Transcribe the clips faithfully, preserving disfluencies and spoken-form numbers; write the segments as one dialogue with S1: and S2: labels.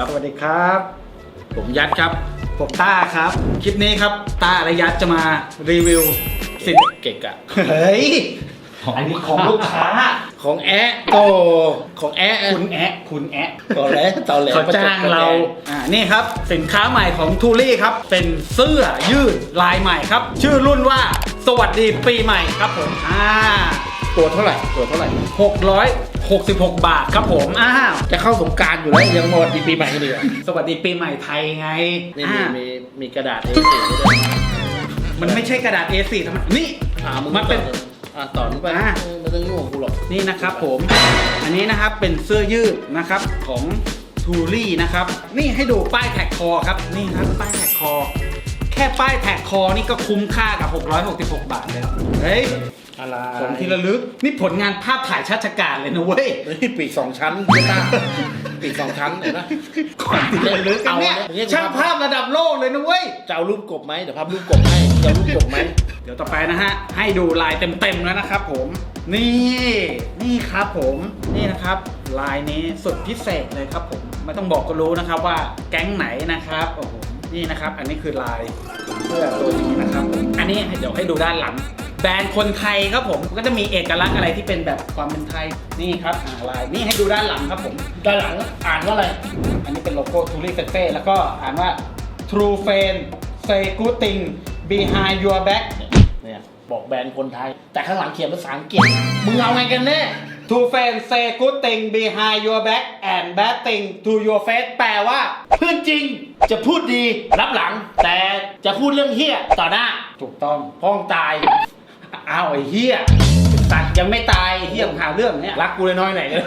S1: สวัสดีครับ
S2: ผมยัดครับ
S1: ผมต้าครับคลิปนี้ครับต้าและยัดจะมารีวิวสิน
S2: เก่งอะ
S1: เฮ้ยอันนี้ของลูกค้า
S2: ของแอะโตของแอะ
S1: คุณแอะคุณแอะ
S2: ตอนแรกตอนแรก
S1: เขาจ้างเราอ่านี่ครับสินค้าใหม่ของทูรี่ครับเป็นเสื้อยืดลายใหม่ครับชื่อรุ่นว่าสวัสดีปีใหม่ครับผมอ่า
S2: ตัวเท่าไหร่ตัวเท่าไหร่
S1: หกร้อยหกสิบหกบาทครับผมอ้าว
S2: จะเข้าสงกรานต์อยู่แล้วยังหมดปีใหม่กันดีกว่า
S1: สวัสดีปีใหม่ไทยไง
S2: นี่มีมีมีกระดาษ เอ สี่ ด้วย
S1: มันไม่ใช่กระดาษ เอ สี่ ทำไมนี่มันเป็น
S2: อ่ะต่อนี้ไปไม่ต้องยุ่งกับกูหรอก
S1: นี่นะครับผมอันนี้นะครับเป็นเสื้อยืดนะครับของทูรี่นะครับนี่ให้ดูป้ายแท็กคอครับนี่ครับป้ายแท็กคอแค่ป้ายแท็กคอนี่ก็คุ้มค่ากับหกร้อยหกสิบหกบาทแล้วเฮ้ย
S2: อะไร
S1: ของที่ระลึกนี่ผลงานภาพถ่ายชาติการเลยนะเว้ย
S2: นี่ปีกสองชั้นไม่ต้าปีกสองชั้นเห็นไหม
S1: ของที่ระลึกกันเนี่ยช่างภาพระดับโลกเลยนะเว้ย
S2: จะเอารูปกบไหมเดี๋ยวภาพรูปกบให้จะเอารูปกบไหม
S1: เดี๋ยวต่อไปนะฮะให้ดูลายเต็มๆแล้วนะครับผมนี่นี่ครับผมนี่นะครับลายนี้สุดพิเศษเลยครับผมไม่ต้องบอกก็รู้นะครับว่าแก๊งไหนนะครับโอ้โหนี่นะครับอันนี้คือลายเสื้อตัวนี้นะครับอันนี้เดี๋ยวให้ดูด้านหลังแบรนด์คนไทยครับผมก็จะมีเอกลักษณ์อะไรที่เป็นแบบความเป็นไทยนี่ครับลายนี่ให้ดูด้านหลังครับผม
S2: ด้านหลังอ่านว่าอะไร
S1: อันนี้เป็นโลโก้ทูรี่เฟเฟ่แล้วก็อ่านว่า True Friend Say Good Thing Behind Your Back
S2: เนี่ยบอกแบรนด์คนไทยแต่ข้างหลังเขียนภาษาอังกฤษมึงเอาไงกันแน่
S1: True Friend Say Good Thing Behind Your Back and Bad Thing to Your Face แปลว่า
S2: เพื่อนจริงจะพูดดีรับหลังแต่จะพูดเรื่องเหี้ยต่อหน้า
S1: ถูกต้อง
S2: พ้องตาย
S1: อ้าวไอ้เหี้ยสัตว์ยังไม่ตายเหี้ยหาเรื่องเนี้ย
S2: รักกูเลยน้อยไหนกัน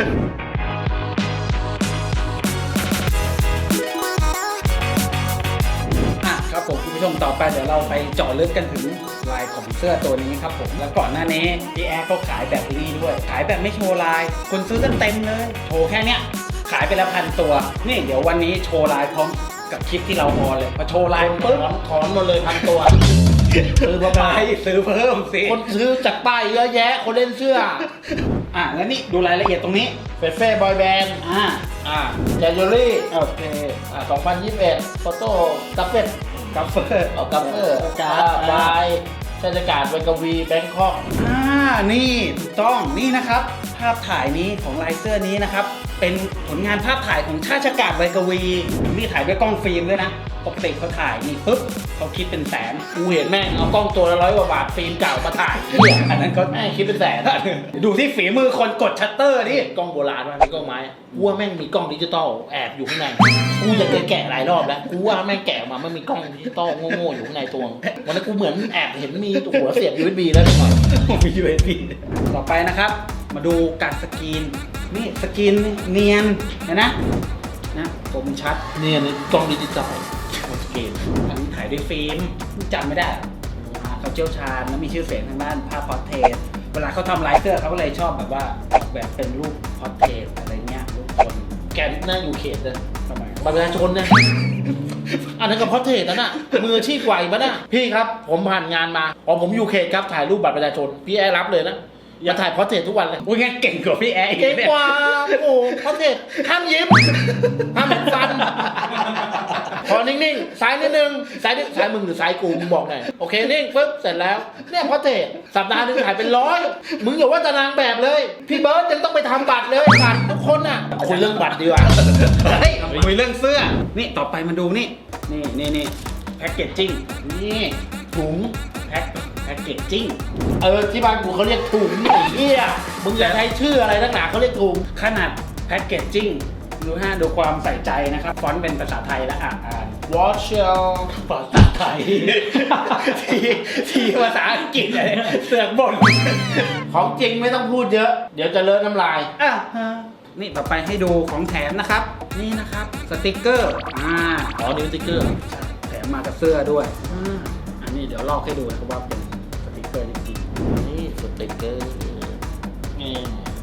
S1: ครับผมคุณผู้ชมต่อไปเดี๋ยวเราไปเจาะลึกกันถึงลายของเสื้อตัวนี้ครับผมแล้วก่อนหน้านี้พี่แอร์ก็ขายแบบนี้ด้วยขายแบบไม่โชว์ลายคนซื้อกันเต็มเลยโชว์แค่เนี้ยขายไปแล้วพันตัวนี่เดี๋ยววันนี้โชว์ลายพร้อมกับคลิปที่เราออนเลยพอโชว์ลาย
S2: ปุ๊บถอนหมดเลยพันตัว
S1: ซื้อมาไปซื้อเพิ่มสิ
S2: คนซื้อจากป้ายเยอะแยะคนเล่นเสื้อ
S1: อ่ะแล้วนี่ดูรายละเอียดตรงนี้
S2: เฟเฟ่บอยแบนด์
S1: อ่า
S2: อ่าเจจูรี่
S1: โอเค
S2: อ่าสองพันยี่สิบเอ็ดโฟโต้กัฟเฟ่
S1: กัฟเฟอร์
S2: เอากัฟเฟอร์การ์ดบายเทศกาลเวกวีแบงคอก
S1: อ่านี่ถูกต้องนี่นะครับภาพถ่ายนี้ของลายเสื้อนี้นะครับเป็นผลงานภาพถ่ายของชาติกาศไวกวีนี่ถ่ายด้วยกล้องฟิล์มด้วยนะปกติเขาถ่ายนี่ปุ๊บเขาคิดเป็นแสน
S2: กูเห็นแม่งเอากล้องตัวละร้อยกว่าบาทฟิล์มเก่ามาถ่ายเนี่ย
S1: อันนั้นก็
S2: แม่งคิดเป็นแสน
S1: ดูที่ฝีมือคนกดชัตเตอร์นี่
S2: กล้องโบราณมันมีกล้องไม้กูว่าแม่งมีกล้องดิจิตอลแอบอยู่ข้างในกูอยากจะแกะหลายรอบแล้วกูว่าแม่งแกะมาไม่มีกล้องดิจิตอลโง่ๆอยู่ข้างในตัววันนี้กูเหมือนแอบเห็นมีหัวเสียบ ยู เอส บี แล้วหน่อย
S1: มี ยู เอส บี ต่อไปนะครับมาดูการสกรีนนี่สกรีนเนียนเห็นนะนะคมชัด
S2: เนียนกล้องดิจิตอลสกรีน
S1: อันนี้ถ่ายด้วยฟิล์มจำไม่ได้เขาเชี่ยวชาญและมีชื่อเสียงทางด้านภาพพอร์เทรตเวลาเขาทำลายเสื้อเขาก็เลยชอบแบบว่าแบบเป็นรูปพอร์เทรตอะไรเงี้ยรูปคน
S2: แกนหน้าอยู่เขตเลย
S1: ทำไม
S2: บัตรประชาชนเนี่ยอันนั้นก็พอร์เทรตนั่นน่ะมืออาชีพไหวปะน่ะพี่ครับผมผ่านงานมาพอผมอยู่เขตครับถ่ายรูปบัตรประชาชนพี่แอร์รับเลยนะอย่าถ่ายพอร์เทรตทุกวันเลย
S1: อุ้ยงั้นเก่งกว่าพี่แอร์
S2: เก่งกว่าโอ้พอร์เทรตห้ามยิ้มห้ามฟันพอนิ่งๆซ้ายนิดนึงซ้ายนิดซ้ายมึงหรือซ้ายกูมึงบอกหน่อยโอเคนิ่งปึ๊บเสร็จแล้วเนี่ยพอร์เทรตสัปดาห์นึงถ่ายเป็นร้อยมึงอย่าว่าแต่นางแบบเลยพี่เบิร์ดยังต้องไปทำบัตรเลยบัตรทุกคนอ่ะคุยเรื่องบัตรดีกว่า
S1: เฮ้ยคุยเรื่องเสื้อนี่ต่อไปมาดูนี่นี่นี่นี่แพ็กเกจจิ้งนี่ถุงแพ็คแพ็กเกจจิ้ง
S2: เออที่บ้านกูเขาเรียกถุงไอ้เหี้ยมึงอยากใช้ชื่ออะไรนักหนาเขาเรียกถุง
S1: ขนาดแพ็กเกจจิ้งดูฮะดูความใส่ใจนะครับฟอนต์เป็นภาษาไทยและอ่านอ่าน
S2: Watch
S1: ภาษาไทยทีทีภาษาอังกฤษอะไรเสือกบ่น
S2: ของจริงไม่ต้องพูดเยอะเดี๋ยวจะเลอะน้ำลาย
S1: อ่ะนี่ต่อไปให้ดูของแถมนะครับนี่นะครับสติกเกอร์อ่า
S2: อ๋อนี่สติกเกอร์
S1: แถมมากับเสื้อด้วยอันนี้เดี๋ยวลอกให้ดูนะครับว่าเป็นสติกเกอร์จริง
S2: ๆนี่สติกเกอร์นี่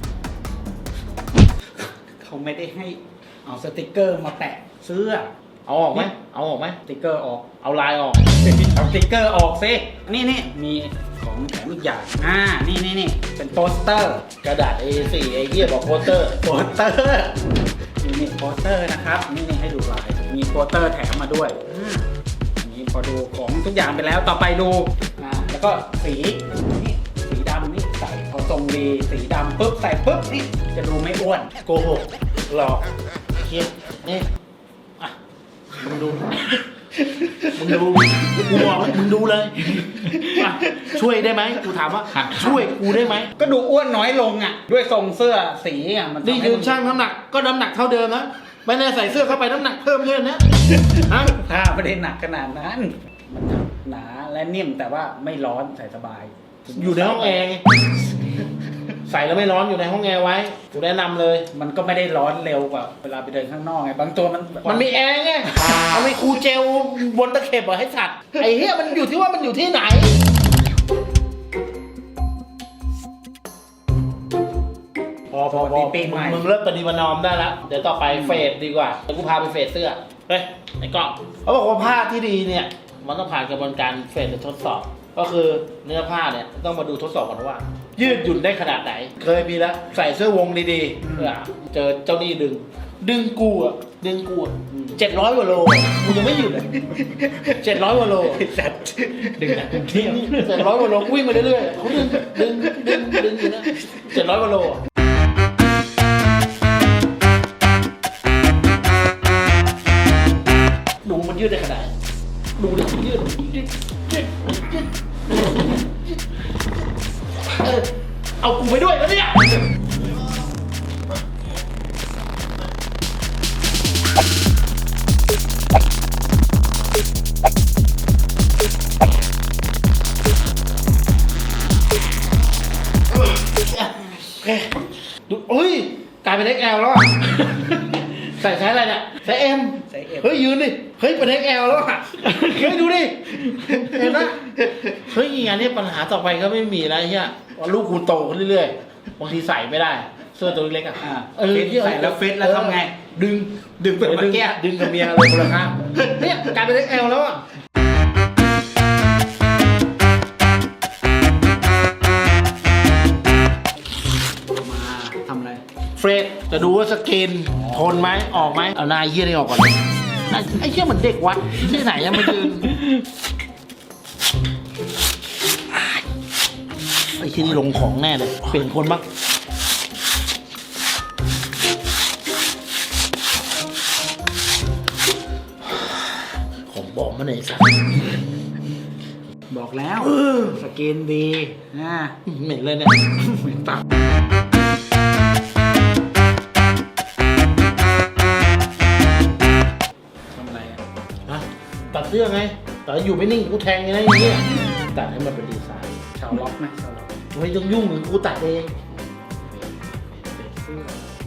S1: เขาไม่ได้ให้เอาสติกเกอร์มาแปะเสื้อ
S2: เอาออกไหมเอาออกไหม
S1: สติกเกอร์ออก
S2: เอาลายออก
S1: เอาสติกเกอร์ออกซินี่นี่มีของแถมอีกอย่างอ่านี่นี่นี่เป็นโปสเตอร์
S2: กระดาษ เอ สี่ ไอ้เหี้ยบอกโปสเตอร์
S1: โปสเตอร์อยู่นี่โปสเตอร์นะครับนี่นี่ให้ดูลายมีโปสเตอร์แถมมาด้วยอ่าอันนี้พอดูของทุกอย่างไปแล้วต่อไปดูอ่าแล้วก็สีนี่สีดำนี่ใส่พอทรงดีสีดำปุ๊บใส่ปุ๊บนี่จะดูไม่อ้วน
S2: โกหกหลอกเคียนี่อ่ะมึงดู มึงดูกูบอกเลยมึงดูเลยอ่ะช่วยได้ไหมกูถามว่าช่วยกูได้ไหม
S1: ก็ดูอ้วนน้อยลงอ่ะด้วยทรงเสื้อสีอ่ะมัน
S2: นี่ยืนช่างน้ำหนักก็น้ำหนักเท่าเดิมนะไม่ได้ใส่เสื้อเข้าไปน้ำหนักเพิ่มเยอะนะฮะ
S1: ถ้าไม่ได้หนักขนาดนั้นมันหนาและนิ่มแต่ว่าไม่ร้อนใส่สบาย
S2: อยู่ในห้องแอร์ไงใส่แล้วไม่ร้อนอยู่ในห้องแอร์ไว้กูแนะนำเลย
S1: มันก็ไม่ได้ร้อนเร็วกว่าเวลาไปเดินข้างนอกไงบางตัวมัน
S2: มันมีแอร์ไงเอาไปคูลเจลบนตะเข็บเหรอให้สัตว์ไอ้เหี้ยมันอยู่ที่ว่ามันอยู่ที่ไหนพอพอพอ
S1: ปีใหม่
S2: มึงเริ่มปฏิบัตินอมได้แล้วเดี๋ยวต่อไปเฟสดีกว่าเดี๋ยวกูพาไปเฟสเสื้อเฮ้ยไอ้กล้องเขาบอกว่าผ้าที่ดีเนี่ยมันต้องผ่านกระบวนการเฟสหรือทดสอบ ก็คือเนื้อผ้าเนี่ยต้องมาดูทดสอบก่อนว่า ยืดหยุ่นได้ขนาดไหน เคยมีแล้วใส่เสื้อวงดีๆเพื่อเจอเจ้านี่ดึง ดึงกูอ่ะดึงกูอ่ะเจ็ดร้อยกว่าโลกูยังไม่หยุดเลยเจ็ดร้อยกว่าโล
S1: จัดดึงจากกรุงเทพ
S2: เจ็ดร้อยกว่าโลวิ่งมาเรื่อยๆเขาดึงดึงดึงดึงอยู่นะเจ็ดร้อยกว่าโลดูมันยืดได้ขนาดไหนดูดิยืดยืดยืดยืดเออเอากูไปด้วยแล้วเนี่ยดูเฮ้ยกลายเป็น เอ็กซ์ แอล แล้วอ่ะใส่ไซส์อะไรเนี่ยไซส์ M
S1: ใส่เอฟ
S2: เฮ้ยยืนดิเฮ้ยเป็น เอ็กซ์ แอล แล้วอ่ะเฮ้ยดูดิเห็นไหมเฮ้ยงานนี้ปัญหาต่อไปก็ไม่มีแล้วใช่ไหมว่าลูกกูโตขึ้นเรื่อยๆบางทีใส่ไม่ได้เสื้อตัวเล็กๆอ่ะ
S1: อ่า
S2: เออ
S1: ใส่แล้วฟิตแล้วทำไง
S2: ดึง
S1: ดึงเป็น
S2: ดึ
S1: เมื่อง กี้
S2: ดึงกับเมียเลยคนละข้างเนี่ยกลายเป็น เอ็กซ์ แอล แล้วอ่ะ
S1: มาทำอะไร
S2: เฟรดจะดูว่าสกินทนไหมออกไหมเอาหน้าเยี่ยนี่ออกก่อนเลยหน้าไอ้เชี่ยเหมือนเด็กวัดที่ไหนยังมายืนไอ้ที่นี่ลงของแน่เลยเปลี่ยนคนบ้างของบอกมาไหนสัก
S1: บอกแล้วสกินดีอ่า
S2: เหม็นเลยเนี่ย
S1: เหมือนปากทำอะไรอ่ะ
S2: ฮะตัดเสื้อไงแต่อยู่ไม่นิ่งกูแทงไงนะอย่างเงี้ยตัดให้มันเป็นดีไซน์
S1: ชาวล็อกไหมชาวล็อก
S2: ไม่ต้องยุ่งหรือกูตัดเอง
S1: เสื้อ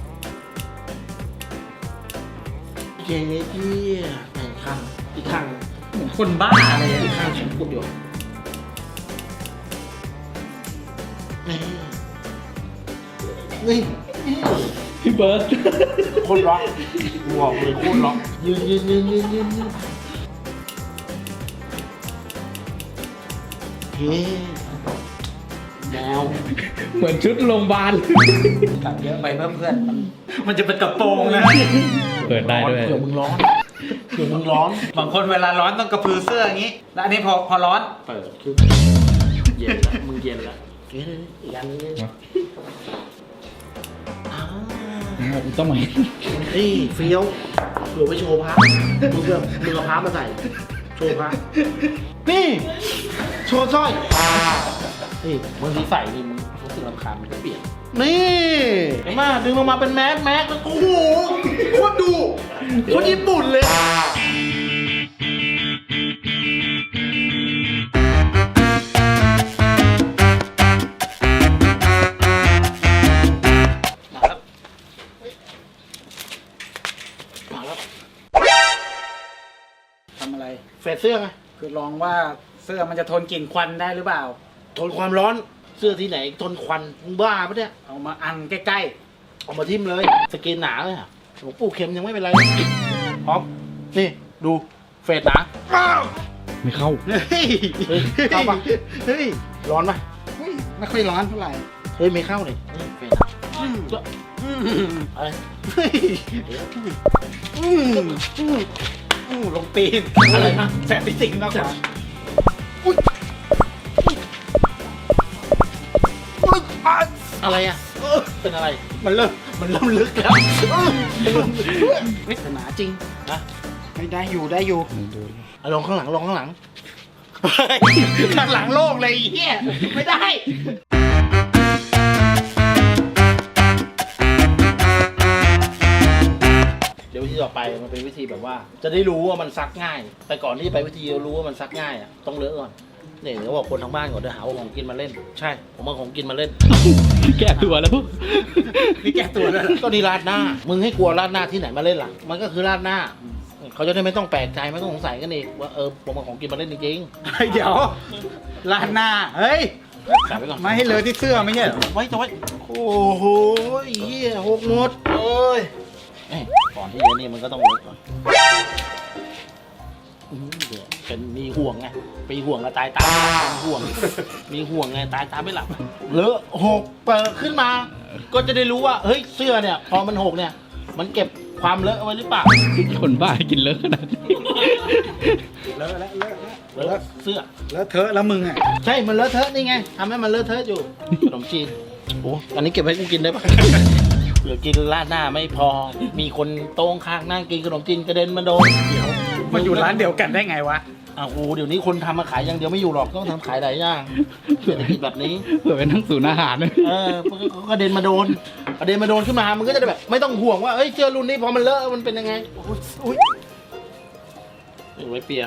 S2: เจ๊พี่ไอ้ข้างอีกข้าง
S1: เหมือนคนบ้าเลยอ่ะ
S2: อีกข้างฉันพูดอยู่นี่นี่
S1: พี่เบิร์ด
S2: โคนล็อกกูบอกเลยโคนล็อกยืนยืนยืนยืนยืนยืนเฮ้แมว
S3: เหมือนชุดโรงพยาบาล
S1: ตัดเยอะไปเพื่อนเพื่อนมันมันจะเป็นกระโปรงนะ
S3: เปิดได้ด้วย
S2: เผื่อมึงร้อนเผื่อมึงร้อน
S1: บางคนเวลาร้อนต้องกระพือเสื้ออย่างนี้ แล้วอันนี้พอพอร้อน
S2: เปิดขึ้นเย็นแล้วมึงเย็นแล้วเฮ้ยอีกอันนึงอ่า
S3: ต้องไหม
S2: นี่เฟี้ยวเผื่อไปโชว์พระมึงเพื่อมึงเอาพระมาใส่โชว์พระนี่โชว์สร้อยนี่บางทีใส่นี่มึงรู้สึกรำคาญมันก็เปลี่ยนนี่เห็นไหมดึงลงมาเป็นแมสแมสโอ้โหโคตรดูโคตรญี่ปุ่นเลยมาแล้ว
S1: ทำอะไร
S2: เฟซเสื้อไง
S1: คือลองว่าเสื้อมันจะทนกลิ่นควันได้หรือเปล่า
S2: ทนความร้อนเสื้อที่ไหนทนควันมึงบ้าปะเนี่ย
S1: เอามาอังใกล้
S2: เอามาทิ่มเลยสกินหนาเลยอ่ะหลวงปู่เข็มยังไม่เป็นไรพร้อมนี่ดูเฟซหนาอ้าว
S3: ไม่เข้า
S1: ๆ เฮ้ย
S2: เฮ้ยเข้าปะ
S1: เฮ้ย
S2: ร้อนปะ
S1: เฮ้ยไม่ค่อยร้อนเท่าไหร่
S2: เฮ้ยไม่เข้าเลยนี่เฟซหนา
S1: อืม
S2: อะไร
S1: เฮ้ยอืมอืมอืมลงตีน
S2: อะไรนะ
S1: แสบที่สิงมากกว่า
S2: อุ๊ย
S1: อุ๊ยอ่ะ
S2: อะไรอ่ะเป็นอะไร
S1: มันเริ่มมันเริ่มลึกแล้วเฮ้ยหนาจริง
S2: นะ
S1: ไม่ได้อยู่ได้อยู่
S2: เอาลงข้างหลังลงข้างหลัง
S1: เฮ้ยข้างหลังโลกเลยไอ้เฮียไม่ได้
S2: เดี๋ยววิธีต่อไปมันเป็นวิธีแบบว่า จะได้รู้ว่ามันซักง่าย แต่ก่อนที่จะไปวิธีรู้ว่ามันซักง่ายอ่ะต้องเลอะก่อนเนี่ยเดี๋ยวบอกคนทางบ้านก่อนเดี๋ยวหาว่าของกินมาเล่น ใช่ ผมเอาของกินมาเล่น
S3: แก้ตัวแล้ว
S1: นี่แก้ตัวแล้วเหรอ
S2: ก็นี่ราดหน้า มึงให้กลัวราดหน้าที่ไหนมาเล่นล่ะ มันก็คือราดหน้า เขาจะได้ไม่ต้องแปลกใจไม่ต้องสงสัยกันอีกว่าเออผมเอาของกินมาเล่นจริง
S1: เฮ้ยเดี๋ยวลานหน้าเฮ้ย
S2: ๆใส่ไว้ก่อน
S1: ไม่ให้เลอะที่เสื้อไม่ใช่เหรอ
S2: ไว้จะไว้โอ้โหเหี้ยหกหมดเอ้ยเอ้ยก่อนที่จะนี่มันก็ต้องเลอะก่อนอื้อเดี๋ยวเป็นมีห่วงไงปีห่วงกับตายตามีห่วง มีห่วงไงตายตาไม่หลับเลอะหกเปิดขึ้นมา ก็จะได้รู้ว่าเฮ้ยเสื้อเนี่ย พอมันหกเนี่ย มันเก็บความเลอะเอาไว้หรือเปล่า
S3: คนบ้ากินเลอะขนาดนี้
S1: เลอะแล้วเลอะแล้ว
S2: เลอะเสื้อ
S1: เลอะเทอะแล้วมึงอ่ะ
S2: ใช่ มันเลอะเทอะนี่ไงทำให้มันเลอะเทอะอยู่ ขนมจีน โอ้ อันนี้เก็บไว้กูกินได้ปะ เหลือกินราดหน้าไม่พอ มีคนโต๊งข้างนั่งกินขนมจีนกระเด็นมาโดน
S1: เดี๋ยวมาอยู่ร้านเดียวกันได้ไงวะ
S2: อ้าวโอ้เดี๋ยวนี้คนทำมาขายอย่างเดียวไม่อยู่หรอก ต้องทำขายหลายอย่างเศรษฐกิจแบบนี้
S3: เผื่อเป็นทั้งศูนย์อาหารเลย
S2: เออมันก็กระเด็นมาโดน กระเด็นมาโดนขึ้นมา มันก็จะได้แบบ ไม่ต้องห่วงว่าเอ้ยเสื้อรุ่นนี้พอมันเลอะมันเป็นยังไงโอ้ยอุ๊ยเอาไว้เปีย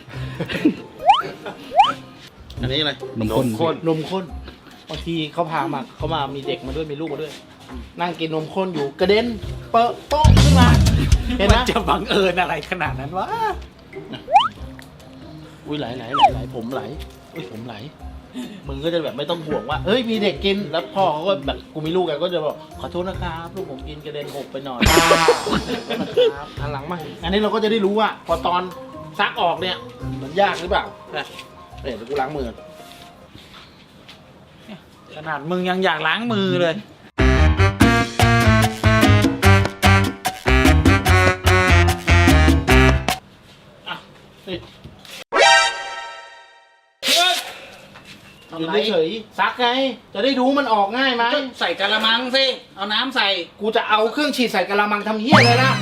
S2: อันนี้อะไร
S3: นมข้น
S2: ข้นนมข้นบางทีเขาพามาเขามามีเด็กมาด้วยมีลูกมาด้วย นั่งกินนมข้นอยู่กระเด็นเปอะโป๊ะขึ้นมา เห็น
S1: มั
S2: นะ
S1: นจะบังเอิญอะไรขนาดนั้นวะ
S2: อุ้ยไหลไหลไหลไหลผมไหลอุ้ยผมไหลมึงก็จะแบบไม่ต้องห่วงว่าเฮ้ยมีเด็กกินแล้วพ่อเขาก็แบบกูมีลูกไงก็จะบอกขอโทษนะครับลูกผมกินกระเด็นหกไปหน่อยนะครับหันหลังมาอันนี้เราก็จะได้รู้ว่าพอตอนซักออกเนี่ยมันยากหรือเปล่านะเดี๋ยวกูล้างมือ
S1: ขนาดมึงยังอยากล้างมือเลย
S2: อ่ะนี่
S1: ทำไร
S2: ยืนเฉยๆซักไง จะได้รู้มันออกง่ายไหม
S1: ก็ใส่กะละมังสิ เอาน้ำใส่
S2: กูจะเอาเครื่องฉีดใส่กะละมังทำเหี้ยเลยนะ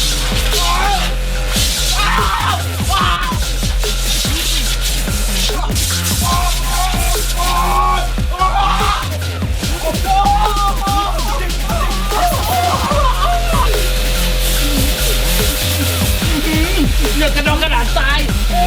S2: เลือกกระดองกระดาษทราย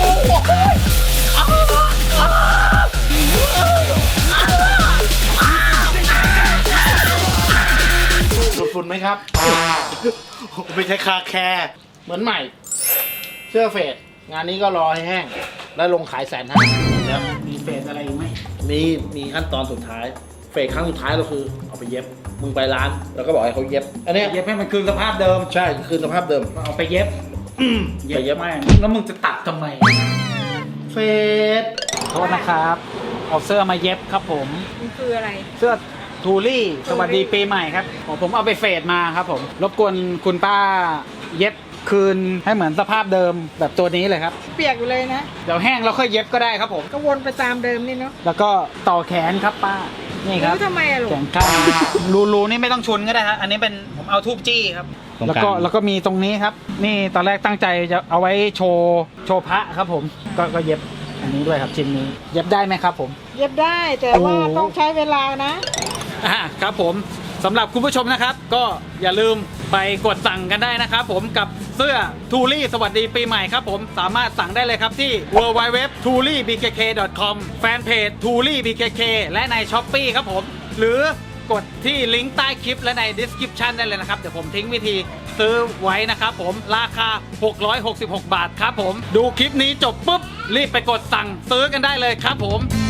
S2: ฝุ่นไหมครับ
S1: ไม่ใช่คาแคร์
S2: เหมือนใหม่ เสื้อเฟดงานนี้ก็รอให้แห้ง แล้วลงขายแสนห้าแล้ว
S1: มีเศษอะไรอีกไหม
S2: มีมีขั้นตอนสุดท้าย เฟดครั้งสุดท้ายเราคือเอาไปเย็บ มึงไปร้าน แล้วก็บอกให้เขาเย็บ อันเนี้ย
S1: เย็บให้มันคืนสภาพเดิม
S2: ใช่คืนสภาพเดิม
S1: เอาไปเย็บ
S2: ไปเย็บ
S1: แม่งแล้วมึงจะตัดทำไม
S2: เฟด
S1: โทษนะครับ เอาเสื้อมาเย็บครับผม
S4: มันคืออะไร
S1: เสื้อทูรี่สวัสดีปีใหม่ครับผมผมเอาไปเฟดมาครับผม รบกวนคุณป้าเย็บคืนให้เหมือนสภาพเดิมแบบตัวนี้เลยครับ
S4: เปียกอยู่เลยนะ
S1: เดี๋ยวแห้งแล้วค่อยเย็บก็ได้ครับผม
S4: ก็วนไปตามเดิมนี่เนาะ
S1: แล้วก็ต่อแขนครับป้า นี่ครับ
S4: แล้วทำไมอะลูก
S1: แขนข้างรูรูนี่ไม่ต้องชุนก็ได้ครับอันนี้เป็นผมเอาทูบจี้ครับ
S3: ตรง
S1: แล้ว
S3: กลาง
S1: ก็แล้วก็มีตรงนี้ครับ นี่ตอนแรกตั้งใจจะเอาไว้โชว์โชว์พระครับผม ก็ก็เย็บอันนี้ด้วยครับชิ้นนี้ เย็บได้ไหมครับผม
S4: เย็บได้แต่ว่า
S1: โอ้
S4: ต้องใช้เวลานะ
S1: อ่าครับผมสำหรับคุณผู้ชมนะครับ ก็อย่าลืมไปกดสั่งกันได้นะครับผมกับเสื้อทูรี่สวัสดีปีใหม่ครับผมสามารถสั่งได้เลยครับที่ ดับเบิลยู ดับเบิลยู ดับเบิลยู ดอท ทูรี่บีเคเค ดอท คอม แฟนเพจ ทูรี่บีเคเค และใน ช้อปปี้ ครับผม หรือกดที่ลิงก์ใต้คลิปและใน description ได้เลยนะครับ เดี๋ยวผมทิ้งวิธีซื้อไว้นะครับผมราคา หกร้อยหกสิบหก บาทครับผมดูคลิปนี้จบปุ๊บรีบไปกดสั่งซื้อกันได้เลยครับผม